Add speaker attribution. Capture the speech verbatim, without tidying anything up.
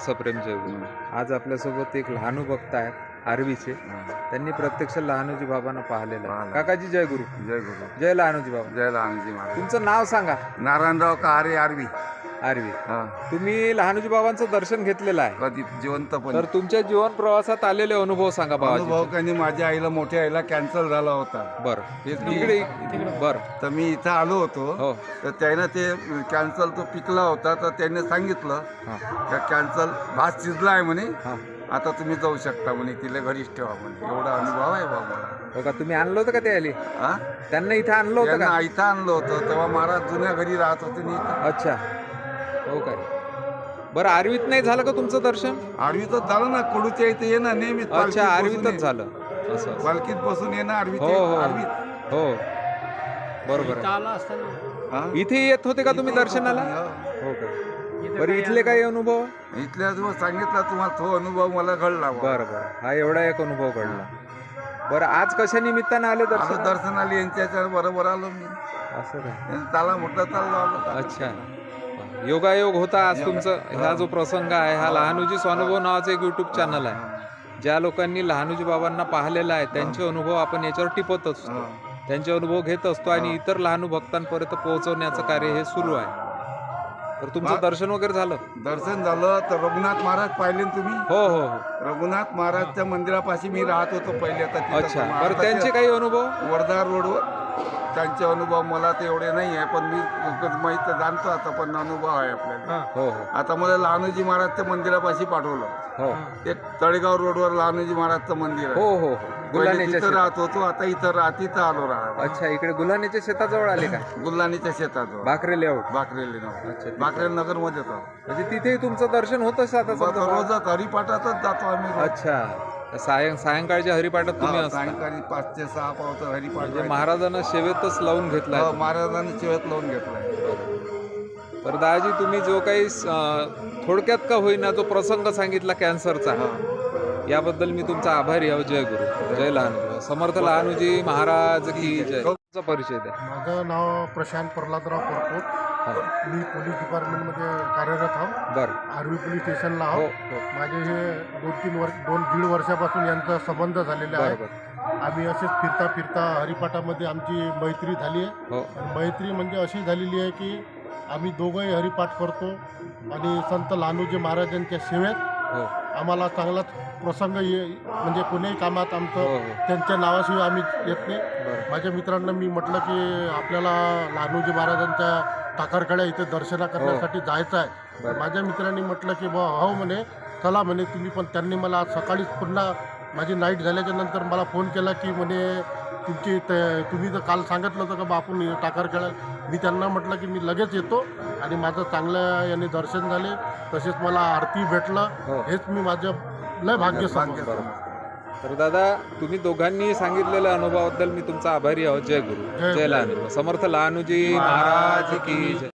Speaker 1: दत्तप्रेम जयगुरु. आज आपल्यासोबत एक लहानू भक्त आहेत आरवीचे. त्यांनी प्रत्यक्ष लहानूजी बाबांना पाहिलेलं आहे. काकाजी जय गुरु.
Speaker 2: जय गुरु.
Speaker 1: जय लहानूजी बाबा.
Speaker 2: जय लहानजी महाराज.
Speaker 1: तुमचं नाव सांगा.
Speaker 2: नारायणराव कहारे आरवी.
Speaker 1: आरवी. तुम्ही लहानूजी बाबांचं दर्शन घेतलेलं आहे
Speaker 2: कधी जिवंतपणे.
Speaker 1: तर तुमच्या जीवन प्रवासात आलेले अनुभव सांगा बाबा.
Speaker 2: अनुभव काही माझ्या आईला मोठ्या आईला कॅन्सर झाला होता.
Speaker 1: बरं
Speaker 2: इकडे
Speaker 1: बरं
Speaker 2: तर मी इथं आलो होतो.
Speaker 1: हो
Speaker 2: तर त्यानं ते कॅन्सर तो पिकला होता. तर त्याने सांगितलं
Speaker 1: हां
Speaker 2: का कॅन्सर भात शिजला आहे म्हणे,
Speaker 1: हां.
Speaker 2: आता तुम्ही जाऊ शकता म्हणे, तिला घरीच ठेवा म्हणे. एवढा अनुभव आहे बाबा मला.
Speaker 1: हो का, तुम्ही आणलं होतं का ते आली
Speaker 2: हा
Speaker 1: त्यांना इथं आणलं होतं
Speaker 2: त्यांना
Speaker 1: का?
Speaker 2: इथं आणलं होतं तेव्हा महाराज जुन्या घरी राहत होते मी इथं.
Speaker 1: अच्छा हो काय. बरं आरवीत नाही झालं का तुमचं दर्शन?
Speaker 2: आरवीतच झालं ना, कडूच्या इथे ये ना नेहमी.
Speaker 1: अच्छा आरवीतच झालं असं.
Speaker 2: पालखीत बसून ये ना आरवीत.
Speaker 1: हो हो
Speaker 2: आरवीत
Speaker 1: हो बरोबर
Speaker 2: हा?
Speaker 1: इथे येत होते का तुम्ही दर्शनाला? हो का. बरं इथले काही अनुभव?
Speaker 2: इथल्या दिवस सांगितला तुम्हाला तो अनुभव मला घडला.
Speaker 1: बरं बरं हा एवढा एक अनुभव घडला. बरं आज कशा निमित्तानं आले
Speaker 2: आलो
Speaker 1: दर्शन?
Speaker 2: दर्शनाला यांच्या बरोबर आलो मी.
Speaker 1: असं काय.
Speaker 2: यांनी त्याला म्हटलं चाललो आलो.
Speaker 1: अच्छा योगायोग होता आज तुमचं. हा जो प्रसंग आहे हा लहानूजी स्वानुभव नावाचं एक युट्यूब चॅनल आहे. ज्या लोकांनी लहानूजी बाबांना पाहिलेलं आहे त्यांचे अनुभव आपण याच्यावर टिपत असतो, त्यांचे अनुभव घेत असतो आणि इतर लहानू भक्तांपर्यंत पोहोचवण्याचं कार्य हे सुरू आहे. तर तुमचं दर्शन वगैरे झालं?
Speaker 2: दर्शन झालं. तर रघुनाथ महाराज पाहिले ना तुम्ही?
Speaker 1: हो हो हो.
Speaker 2: रघुनाथ महाराजच्या मंदिरापाशी मी राहत होतो पहिले. आता तिथं
Speaker 1: अच्छा
Speaker 2: पण
Speaker 1: बरं त्यांचे काही अनुभव?
Speaker 2: वर्धा रोडवर त्यांचे अनुभव मला ते एवढे नाही आहे, पण मी माहीत जाणतो आता, पण अनुभव आहे आपल्याला.
Speaker 1: हो हो
Speaker 2: आता मला लहानूजी महाराजच्या मंदिरापाशी पाठवलं.
Speaker 1: हो
Speaker 2: ते तळेगाव रोडवर लहानूजी महाराजचं मंदिर आहे.
Speaker 1: हो हो हो
Speaker 2: पहिले
Speaker 1: गुल्हानेच्या
Speaker 2: तिथं राहत होतो, आता इथं राहत इथं आलो राहत.
Speaker 1: अच्छा इकडे गुल्हानेच्या शेताजवळ आले का?
Speaker 2: गुल्हानीच्या शेतात
Speaker 1: भाकरे लेआउट.
Speaker 2: बाकरेली
Speaker 1: अच्छा,
Speaker 2: बाकरेल नगर मध्ये होतो.
Speaker 1: म्हणजे तिथेही तुमचं दर्शन होत असतं आता समजा?
Speaker 2: रोजच हरिपाठातच जातो आम्ही रोज.
Speaker 1: अच्छा सायं सायंकाळच्या हरिपाठात तुम्ही
Speaker 2: हा,
Speaker 1: असता
Speaker 2: सायंकाळी पाच ते सहा पावत हरिपाठ
Speaker 1: म्हणजे
Speaker 2: व्हायचा.
Speaker 1: महाराजांना सेवेतच लावून घेतलाय.
Speaker 2: हो, महाराजांनी चिवत लावून घेतलाय.
Speaker 1: तर दादाजी तुम्ही जो काही अं, थोडक्यात का होईना जो प्रसंग सांगितला कॅन्सरचा, याबद्दल मी तुमचा आभारी आहे. जय गुरु. जय लहानू. समर्थ लहानूजी महाराज की जय. तुमचा परिचय द्या.
Speaker 3: माझं नाव प्रशांत प्रल्हादराव परकोट. मी पोलीस डिपार्टमेंटमध्ये कार्यरत आहो.
Speaker 1: बरं
Speaker 3: आर्वी पोलीस स्टेशनला
Speaker 1: हो
Speaker 3: आहो.
Speaker 1: हो
Speaker 3: माझे हे दोन तीन वर्ष दोन दीड वर्षापासून यांचा संबंध झालेला आहे.
Speaker 1: बरोबर
Speaker 3: आम्ही असेच फिरता फिरता हरिपाठामध्ये आमची मैत्री झाली आहे.
Speaker 1: हो
Speaker 3: आणि मैत्री म्हणजे अशी झालेली आहे की आम्ही दोघंही हरिपाठ करतो आणि संत लहानूजी महाराजांच्या सेवेत
Speaker 1: हो
Speaker 3: आम्हाला चांगलाच प्रसंग ये म्हणजे कोणीही कामात
Speaker 1: हो
Speaker 3: आमचं
Speaker 1: हो
Speaker 3: त्यांच्या नावाशिवाय आम्ही येत नाही.
Speaker 1: बरं
Speaker 3: माझ्या मित्रांना मी म्हटलं की आपल्याला लहानूजी महाराजांच्या टाकारकड्या इथे दर्शना करण्यासाठी जायचं आहे.
Speaker 1: बरं.
Speaker 3: माझ्या मित्रांनी म्हटलं की बा हो म्हणे चला म्हणे तुम्ही पण. त्यांनी मला आज सकाळीच पुन्हा माझी नाईट झाल्याच्या नंतर मला फोन केला की म्हणे तुमची ते तुम्ही तर काल सांगितलं होतं का बा आपण टाकारखेळा. मी त्यांना म्हटलं की मी लगेच येतो आणि माझं चांगलं याने दर्शन झाले, तसेच मला आरती भेटलं.
Speaker 1: हो.
Speaker 3: हेच मी माझं लय भाग्य समजतो.
Speaker 1: तर दादा तुम्ही दोघांनी सांगितलेल्या अनुभवाबद्दल मी तुमचा आभारी आहोत. जय गुरु.
Speaker 3: जय
Speaker 1: जय लहानू. समर्थ लहानूजी महाराज की जय.